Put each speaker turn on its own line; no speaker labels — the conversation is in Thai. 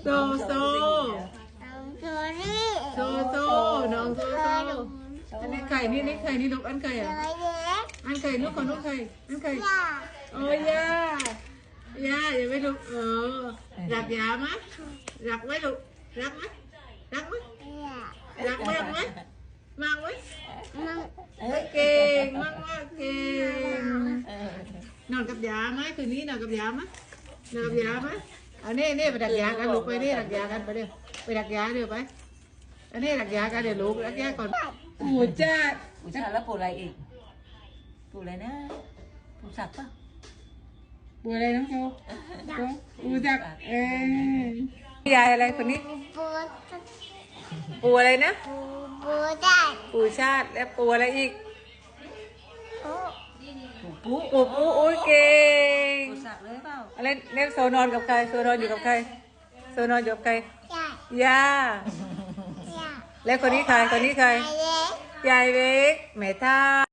โซโซโซน้องโซโซอันนี้ไข่นี่ไข่นี่ลูกอันไข่อ่ะอันไข่ลูกของลูกไข่อันไข่โอ้ยย่าอย่าไม่ลูกรักยาไหมรักไหมลูกรักไหมรักไหมรักมากไหมมากไหมเก่งมากเก่งนอนกับยาไหมคืนนี้นอนกับยาไหมนอนกับยาไหมเอานี่ไปดักยากันลูกไปนี่ดักยากันไปเดี๋ยวไปดักยาเดี๋ยวไปอันนี้ดักยากันเดี๋ยวลูกดักยาก่อนปู่จ้า
แล้วปู่อะไรอีกปู่อะไรนะปู่ศักดิ์ป่ะ
ปู่อะไรน้องโชปู่จักยายอะไรคนนี้ปู่อะไรนะปู่ชาติและปู่อะไรอีกปู่โอ้ยเก่ง
ปู่ศักดิ์เลยเปล่า
อะไรเนี่ยโซนอนกับใครโซนอนอยู่กับใครโซนอนอยู่กับใครย่าแล้วคนนี้ใครยายเล็กแม่ท่า